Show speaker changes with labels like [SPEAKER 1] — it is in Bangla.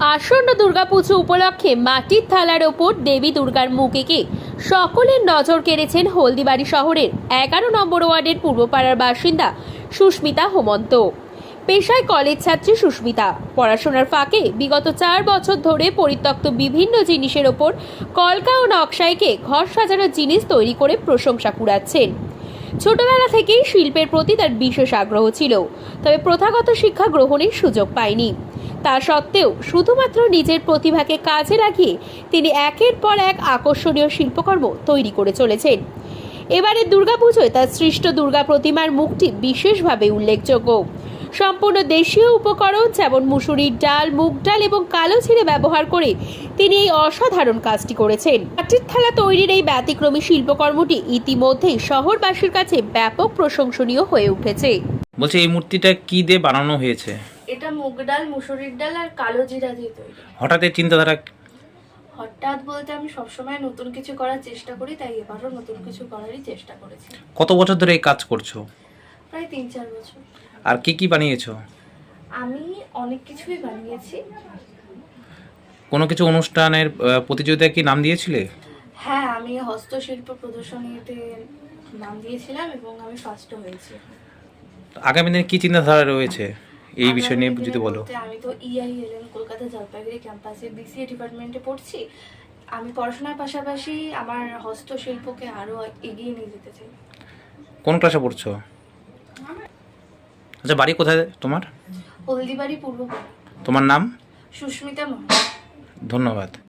[SPEAKER 1] আসন্ন দুর্গাপুজো উপলক্ষে মাটির থালার ওপর দেবী দুর্গার মুখ এঁকে সকলের নজর কেড়েছেন হলদিবাড়ি শহরের 11 নম্বর ওয়ার্ডের পূর্বপাড়ার বাসিন্দা সুস্মিতা হোমন্ত। পেশায় কলেজ ছাত্রী সুস্মিতা পড়াশোনার ফাঁকে বিগত 4 বছর ধরে পরিত্যক্ত বিভিন্ন জিনিসের ওপর কলকা ও নকশা এঁকে ঘর সাজানোর জিনিস তৈরি করে প্রশংসা কুড়াচ্ছেন। ছোটবেলা থেকেই শিল্পের প্রতি তার বিশেষ আগ্রহ ছিল, তবে প্রথাগত শিক্ষা গ্রহণের সুযোগ পায়নি। তা সত্ত্বেও শুধুমাত্র নিজের প্রতিভাকে কাজে লাগিয়ে তিনি একের পর এক আকর্ষণীয় শিল্পকর্ম তৈরি করে চলেছেন। এবারের দুর্গাপুজোয় তার সৃষ্ট দুর্গা প্রতিমার মুখটি বিশেষভাবে উল্লেখযোগ্য। সম্পূর্ণ দেশীয় উপকরণ যেমন মুসুরির ডাল, মুগ ডাল এবং কালো জিরে ব্যবহার করে তিনি এই অসাধারণ কাজটি করেছেন। মাটির থালা তৈরির এই ব্যতিক্রমী শিল্পকর্মটি ইতিমধ্যেই শহরবাসীর কাছে ব্যাপক প্রশংসনীয় হয়ে উঠেছে।
[SPEAKER 2] বলছি, এই মূর্তিটা কি দিয়ে বানানো হয়েছে?
[SPEAKER 3] এটা মুগ ডাল, মুসুরির ডাল আর কালো জিরা দিয়ে তৈরি।
[SPEAKER 2] হঠাৎ এই চিন্তাধারা?
[SPEAKER 3] হঠাৎ বলতে আমি সবসময় নতুন কিছু করার চেষ্টা করি, তাই এবারও নতুন কিছু করারই চেষ্টা করেছি।
[SPEAKER 2] কত বছর ধরে এই কাজ করছো?
[SPEAKER 3] প্রায় 3-4 বছর।
[SPEAKER 2] আর কি কি বানিয়েছো?
[SPEAKER 3] আমি অনেক কিছুই বানিয়েছি।
[SPEAKER 2] কোনো কিছু অনুষ্ঠানের প্রতিযোগিতায় কি নাম দিয়েছিলে?
[SPEAKER 3] হ্যাঁ, আমি হস্তশিল্প প্রদর্শনীতে নাম দিয়েছিলাম এবং আমি ফার্স্টও হয়েছি।
[SPEAKER 2] আগামী দিনে কি চিন্তাধারা রয়েছে এই বিষয় নিয়ে যদি বলো।
[SPEAKER 3] আমি তো EILM কলকাতা জলপাইগুড়ি ক্যাম্পাসে BCA ডিপার্টমেন্টে পড়ছি। আমি পড়াশোনার পাশাপাশি আমার হস্তশিল্পকে আরো এগিয়ে নিয়ে যেতে চাই।
[SPEAKER 2] কোন ক্লাসে পড়ছো? আচ্ছা, বাড়ি কোথায় তোমার?
[SPEAKER 3] হলদিবাড়ি পূর্বপাড়া।
[SPEAKER 2] তোমার নাম?
[SPEAKER 3] সুস্মিতা মহন্ত।
[SPEAKER 2] ধন্যবাদ।